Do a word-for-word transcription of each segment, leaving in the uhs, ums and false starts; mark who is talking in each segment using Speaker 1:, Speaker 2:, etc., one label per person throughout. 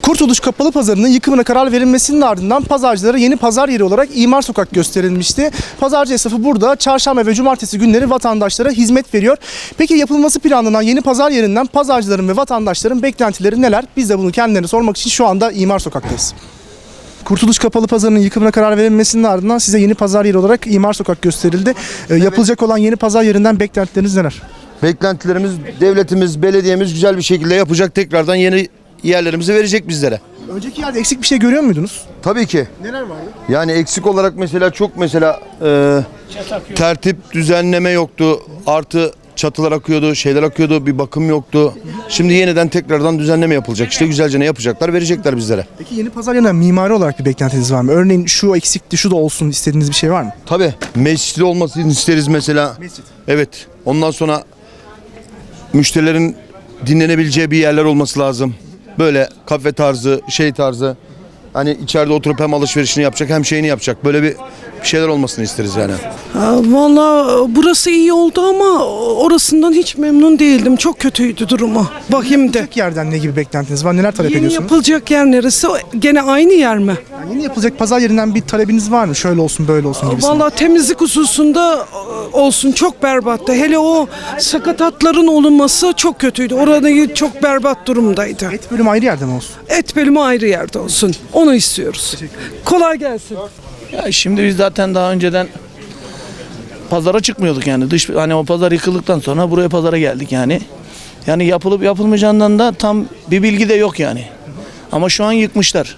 Speaker 1: Kurtuluş Kapalı Pazarı'nın yıkımına karar verilmesinin ardından pazarcılara yeni pazar yeri olarak İmar Sokak gösterilmişti. Pazarcı esnafı burada çarşamba ve cumartesi günleri vatandaşlara hizmet veriyor. Peki yapılması planlanan yeni pazar yerinden pazarcıların ve vatandaşların beklentileri neler? Biz de bunu kendilerine sormak için şu anda İmar Sokak'tayız. Kurtuluş Kapalı Pazarı'nın yıkımına karar verilmesinin ardından size yeni pazar yeri olarak İmar Sokak gösterildi. Ee, yapılacak olan yeni pazar yerinden beklentileriniz neler?
Speaker 2: Beklentilerimiz, devletimiz, belediyemiz güzel bir şekilde yapacak, tekrardan yeni yerlerimizi verecek bizlere.
Speaker 1: Önceki yerde eksik bir şey görüyor muydunuz?
Speaker 2: Tabii ki.
Speaker 1: Neler vardı?
Speaker 2: Yani eksik olarak mesela çok mesela e, tertip, düzenleme yoktu. Artı çatılar akıyordu, şeyler akıyordu, bir bakım yoktu. Şimdi yeniden tekrardan düzenleme yapılacak. İşte güzelce ne yapacaklar, verecekler bizlere.
Speaker 1: Peki yeni pazar yerinden mimari olarak bir beklentiniz var mı? Örneğin şu eksikti, şu da olsun istediğiniz bir şey var mı?
Speaker 2: Tabii. Mescidi olmasını isteriz mesela.
Speaker 1: Mescid.
Speaker 2: Evet. Ondan sonra müşterilerin dinlenebileceği bir yerler olması lazım. Böyle kafe tarzı, şey tarzı. Hani içeride oturup hem alışverişini yapacak hem şeyini yapacak. Böyle bir bir şeyler olmasını isteriz yani.
Speaker 3: Valla burası iyi oldu ama orasından hiç memnun değildim. Çok kötüydü durumu. Bakayım de.
Speaker 1: Yapılacak yerden ne gibi beklentiniz var? Neler talep
Speaker 3: Yeni
Speaker 1: ediyorsunuz?
Speaker 3: yapılacak yer neresi? Gene aynı yer mi?
Speaker 1: Yani yeni yapılacak pazar yerinden bir talebiniz var mı? Şöyle olsun, böyle olsun gibisinden.
Speaker 3: Valla temizlik hususunda olsun, çok berbattı. Hele o sakatatların olunması çok kötüydü. Orada çok berbat durumdaydı.
Speaker 1: Et bölümü ayrı yerde mi olsun?
Speaker 3: Et bölümü ayrı yerde olsun. Onu istiyoruz. Kolay gelsin.
Speaker 4: Ya şimdi biz zaten daha önceden pazara çıkmıyorduk yani. Dış hani o pazar yıkıldıktan sonra buraya pazara geldik yani. Yani yapılıp yapılmayacağından da tam bir bilgi de yok yani. Ama şu an yıkmışlar.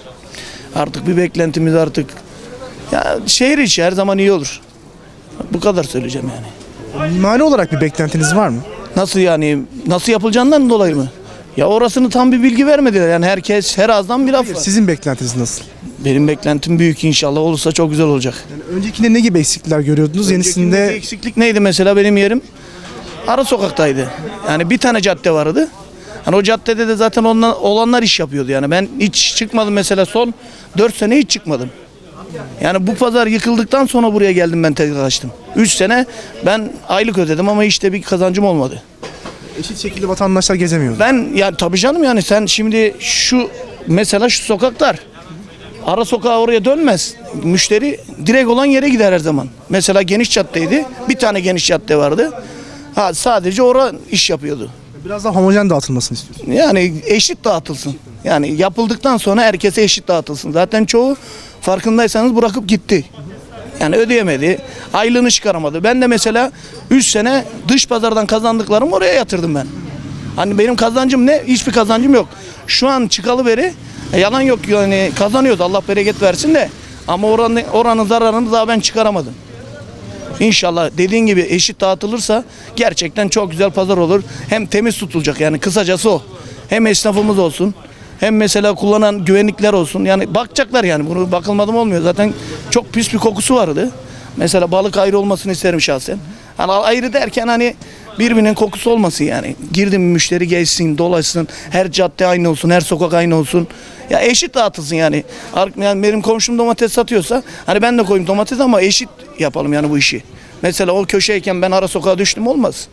Speaker 4: Artık bir beklentimiz artık ya şehir içi her zaman iyi olur. Bu kadar söyleyeceğim yani.
Speaker 1: Mimari olarak bir beklentiniz var mı?
Speaker 4: Nasıl yani nasıl yapılacağından dolayı mı? Ya orasını tam bir bilgi vermediler. Yani herkes her ağızdan bir laf var.
Speaker 1: Sizin beklentiniz nasıl?
Speaker 4: Benim beklentim büyük, inşallah olursa çok güzel olacak.
Speaker 1: Yani öncekinde ne gibi eksiklikler görüyordunuz?
Speaker 4: Yenisinde
Speaker 1: Yenisinde
Speaker 4: eksiklik neydi mesela, benim yerim ara sokaktaydı. Yani bir tane cadde vardı. Hani o caddede de zaten onlar, olanlar iş yapıyordu yani. Ben hiç çıkmadım mesela, son dört sene hiç çıkmadım. Yani bu pazar yıkıldıktan sonra buraya geldim, ben tekrar açtım. üç sene ben aylık ödedim ama işte bir kazancım olmadı.
Speaker 1: eşit şekilde vatandaşlar gezemiyordu.
Speaker 4: Ben yani tabii canım, yani sen şimdi şu mesela şu sokaklar, ara sokağa oraya dönmez. Müşteri direkt olan yere gider her zaman. Mesela geniş caddeydi. Bir tane geniş cadde vardı. Ha, sadece orada iş yapıyordu.
Speaker 1: Biraz daha homojen dağıtılmasını istiyorsunuz.
Speaker 4: Yani eşit dağıtılsın. Yani yapıldıktan sonra herkese eşit dağıtılsın. Zaten çoğu farkındaysanız bırakıp gitti. Yani ödeyemedi. Aylığını çıkaramadı. Ben de mesela üç sene dış pazardan kazandıklarımı oraya yatırdım ben. Hani benim kazancım ne? Hiçbir kazancım yok. Şu an çıkalı beri e, yalan yok yani, kazanıyoruz. Allah bereket versin de. Ama oranın, oranın zararını daha ben çıkaramadım. İnşallah dediğin gibi eşit dağıtılırsa gerçekten çok güzel pazar olur. Hem temiz tutulacak, yani kısacası o. Hem esnafımız olsun, hem mesela kullanan güvenlikler olsun. Yani bakacaklar yani, bunu bakılmadım olmuyor. Zaten çok pis bir kokusu vardı. Mesela balık ayrı olmasını isterim şahsen. Hani ayrı derken hani birbirinin kokusu olmasın yani. Girdim, müşteri gezsin, dolaşsın. Her cadde aynı olsun, her sokak aynı olsun. Ya eşit dağıtılsın yani. Yani benim komşum domates satıyorsa hani ben de koyayım domates ama eşit yapalım yani bu işi. Mesela o köşeyken ben ara sokağa düştüm, olmaz.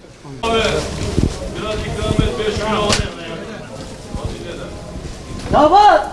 Speaker 3: Damat!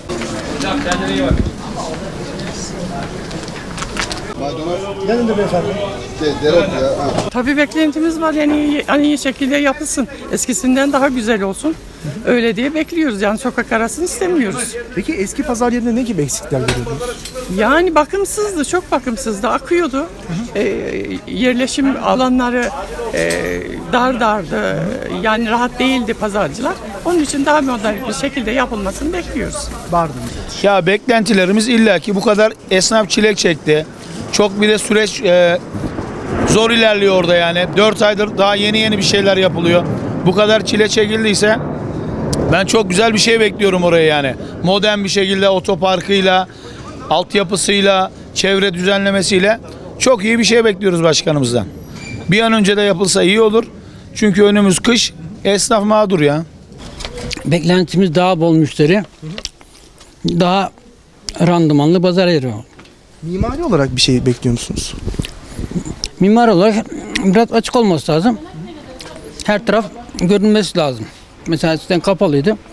Speaker 1: Yanında beyefendi.
Speaker 5: Tabii beklentimiz var, yani hani iyi şekilde yapılsın. Eskisinden daha güzel olsun. Öyle diye bekliyoruz, yani sokak arasını istemiyoruz.
Speaker 1: Peki eski pazar yerinde ne gibi eksikler görüyordunuz?
Speaker 5: Yani bakımsızdı, çok bakımsızdı, akıyordu. Ee, yerleşim alanları e, dar dardı, yani rahat değildi pazarcılar. Onun için daha modern bir şekilde yapılmasını bekliyoruz.
Speaker 1: Vardı mı?
Speaker 6: Ya beklentilerimiz illaki bu kadar esnaf çilek çekti. Çok bir de süreç e, zor ilerliyor orada yani. dört aydır daha yeni yeni bir şeyler yapılıyor. Bu kadar çile çekildiyse ben çok güzel bir şey bekliyorum oraya yani. Modern bir şekilde otoparkıyla, altyapısıyla, çevre düzenlemesiyle çok iyi bir şey bekliyoruz başkanımızdan. Bir an önce de yapılsa iyi olur. Çünkü önümüz kış, esnaf mağdur ya.
Speaker 7: Beklentimiz daha bol müşteri, daha randımanlı pazar yeri.
Speaker 1: Mimari olarak bir şey bekliyor musunuz?
Speaker 7: Mimar olarak biraz açık olması lazım. Her taraf görünmesi lazım. Mesela eskiden kapalıydı.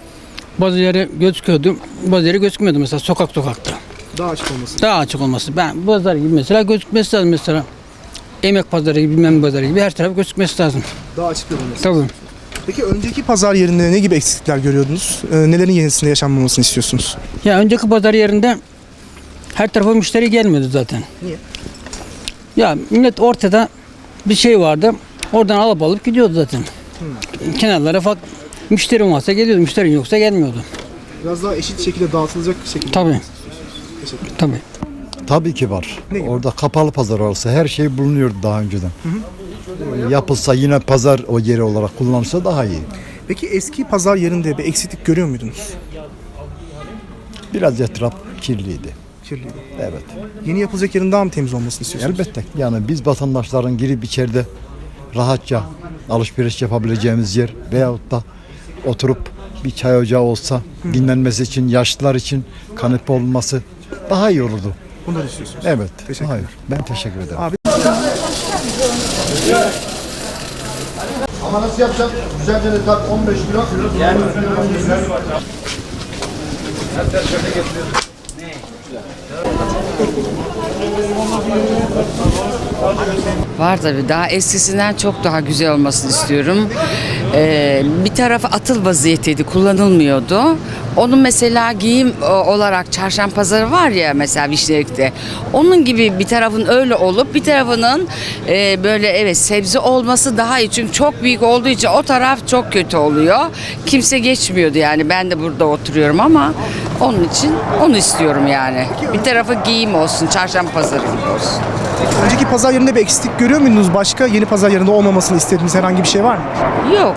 Speaker 7: bazı yere gözüküyordu, bazı yere gözükmüyordu mesela sokak sokakta.
Speaker 1: Daha açık olması.
Speaker 7: Daha açık olması. Ben pazar gibi mesela gözükmesi lazım mesela. Emek pazarı gibi, bilmem pazarı gibi her taraf gözükmesi lazım.
Speaker 1: Daha açık olması.
Speaker 7: Tabii.
Speaker 1: Peki önceki pazar yerinde ne gibi eksiklikler görüyordunuz? Ee, nelerin yenisinde yaşanmamasını istiyorsunuz?
Speaker 7: Ya önceki pazar yerinde her tarafa müşteri gelmiyordu zaten.
Speaker 1: Niye?
Speaker 7: Ya millet ortada bir şey vardı. Oradan alıp alıp gidiyordu zaten.
Speaker 1: Hmm.
Speaker 7: Kenarlara fak müşterin varsa geliyordu, müşterin yoksa gelmiyordu.
Speaker 1: Biraz daha eşit şekilde dağıtılacak şekilde.
Speaker 7: Tabii. Tabii.
Speaker 8: Tabii ki var.
Speaker 1: Ne gibi?
Speaker 8: Orada kapalı pazar olsa her şey bulunuyordu daha önceden. Ee, Yapılsa yine pazar o yeri olarak kullanılsa daha iyi.
Speaker 1: Peki eski pazar yerinde bir eksiklik görüyor muydunuz?
Speaker 8: Biraz etraf kirliydi.
Speaker 1: Kirliydi.
Speaker 8: Evet.
Speaker 1: Yeni yapılacak yerin daha mı temiz olmasını istiyorsunuz?
Speaker 8: Elbette. Yani biz vatandaşların girip içeride rahatça alışveriş yapabileceğimiz yer veyahut da oturup bir çay ocağı olsa dinlenmesi için, yaşlılar için kanepe olması daha iyi olurdu.
Speaker 1: Bunları istiyorsunuz.
Speaker 8: Evet.
Speaker 1: Teşekkür
Speaker 8: Hayır. Ben teşekkür ederim.
Speaker 1: Abi.
Speaker 2: Ama nasıl yapacağım? Güzelce de tak on beş kilo.
Speaker 9: Var tabii. Daha eskisinden çok daha güzel olmasını istiyorum. Ee, bir tarafı atıl vaziyeteydi, kullanılmıyordu. Onun mesela giyim e, olarak çarşamba pazarı var ya mesela Vişnelik'te. Onun gibi bir tarafın öyle olup bir tarafının e, böyle evet sebze olması daha iyi. Çünkü çok büyük olduğu için o taraf çok kötü oluyor. Kimse geçmiyordu yani. Ben de burada oturuyorum ama onun için onu istiyorum yani. Bir tarafı giyim olsun, çarşamba pazarı gibi olsun.
Speaker 1: Önceki pazar yerinde bir eksiklik görüyor muydunuz? Başka yeni pazar yerinde olmamasını istediğiniz herhangi bir şey var mı?
Speaker 9: Yok.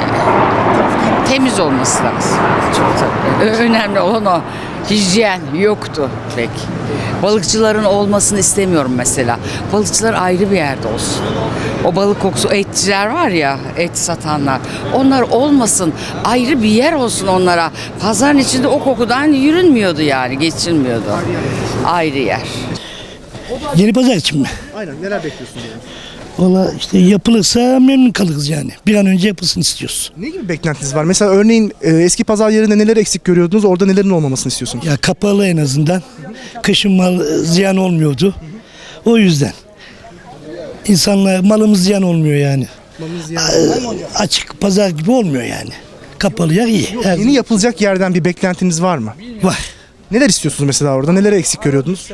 Speaker 9: Temiz olması lazım. Çok tabii. Ö- Önemli olan o. Hijyen yoktu pek. Balıkçıların olmasını istemiyorum mesela. Balıkçılar ayrı bir yerde olsun. O balık kokusu, etçiler var ya, et satanlar. Onlar olmasın. Ayrı bir yer olsun onlara. Pazarın içinde o kokudan yürünmüyordu yani, geçilmiyordu. Ayrı yer.
Speaker 10: Yeni pazar için mi?
Speaker 1: Aynen. Neler bekliyorsunuz yani?
Speaker 10: Valla işte yapılırsa memnun kalırız yani. Bir an önce yapılsın istiyoruz.
Speaker 1: Ne gibi beklentiniz var? Mesela örneğin e, eski pazar yerinde neler eksik görüyordunuz? Orada nelerin olmamasını istiyorsunuz?
Speaker 10: Ya kapalı en azından. Kışın mal e, ziyan olmuyordu. O yüzden. İnsanlar malımız ziyan olmuyor yani. A- Açık pazar gibi olmuyor yani. Kapalı yer iyi. Her-
Speaker 1: Yeni yapılacak yerden bir beklentiniz var mı?
Speaker 10: Var.
Speaker 1: Neler istiyorsunuz mesela orada? Neleri eksik görüyordunuz?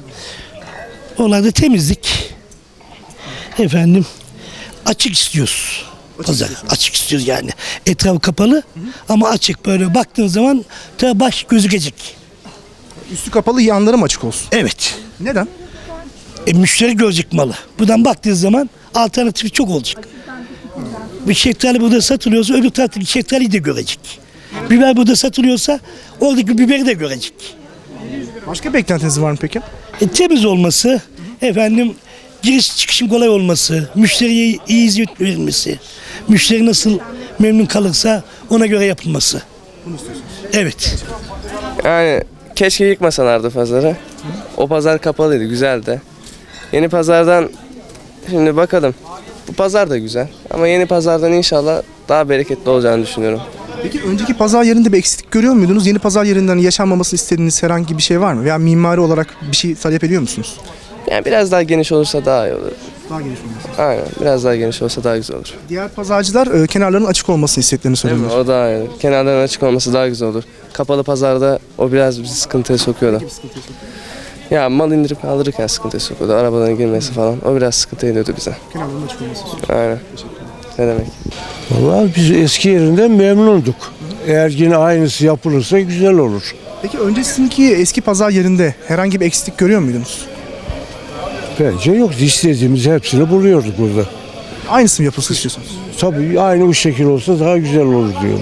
Speaker 10: Onlarda temizlik. Efendim açık istiyoruz. Pazar açık istiyoruz yani. Etrafı kapalı ama açık böyle baktığın zaman ta baş gözükecek.
Speaker 1: Üstü kapalı, yanları mı açık olsun?
Speaker 10: Evet.
Speaker 1: Neden?
Speaker 10: E, müşteri görecek malı. Buradan baktığı zaman alternatifi çok olacak. Bir şeftali burada satılıyorsa öbür taraftaki şeftaliyi de görecek. Biber burada satılıyorsa oradaki biberi de görecek.
Speaker 1: Başka beklentiniz var mı peki?
Speaker 10: E, temiz olması, efendim giriş çıkışın kolay olması, müşteriye iyi hizmet verilmesi, müşteri nasıl memnun kalırsa ona göre yapılması. Bunu istiyorsunuz. Evet.
Speaker 11: Yani keşke yıkmasalardı pazarı. O pazar kapalıydı, güzeldi. Yeni pazardan şimdi bakalım. Bu pazar da güzel ama yeni pazardan inşallah daha bereketli olacağını düşünüyorum.
Speaker 1: Peki önceki pazar yerinde bir eksiklik görüyor muydunuz? Yeni pazar yerinden yaşanmamasını istediğiniz herhangi bir şey var mı? Veya mimari olarak bir şey talep ediyor musunuz?
Speaker 11: Yani biraz daha geniş olursa daha iyi olur.
Speaker 1: Daha geniş olması.
Speaker 11: Aynen, biraz daha geniş olsa daha güzel olur.
Speaker 1: Diğer pazarcılar e, kenarların açık olmasını istediklerini
Speaker 11: Değil mi?
Speaker 1: söylüyorlar.
Speaker 11: O daha iyi. Kenarların açık olması daha güzel olur. Kapalı pazarda o biraz bizi sıkıntıya sokuyordu. Ya mal indirip kaldırırken sıkıntıya sokuyordu. Arabaların girmesi falan. O biraz sıkıntı ediyordu bize.
Speaker 1: Kenarların açık olması.
Speaker 11: Aynen. Ne demek?
Speaker 12: Vallahi biz eski yerinden memnunduk. Eğer yine aynısı yapılırsa güzel olur.
Speaker 1: Peki öncesindeki eski pazar yerinde herhangi bir eksiklik görüyor muydunuz?
Speaker 12: Bence yok. İstediğimiz hepsini buluyorduk burada.
Speaker 1: Aynısı mı yapılsın istiyorsunuz?
Speaker 12: Tabii aynı bu şekil olsa daha güzel olur diyorum.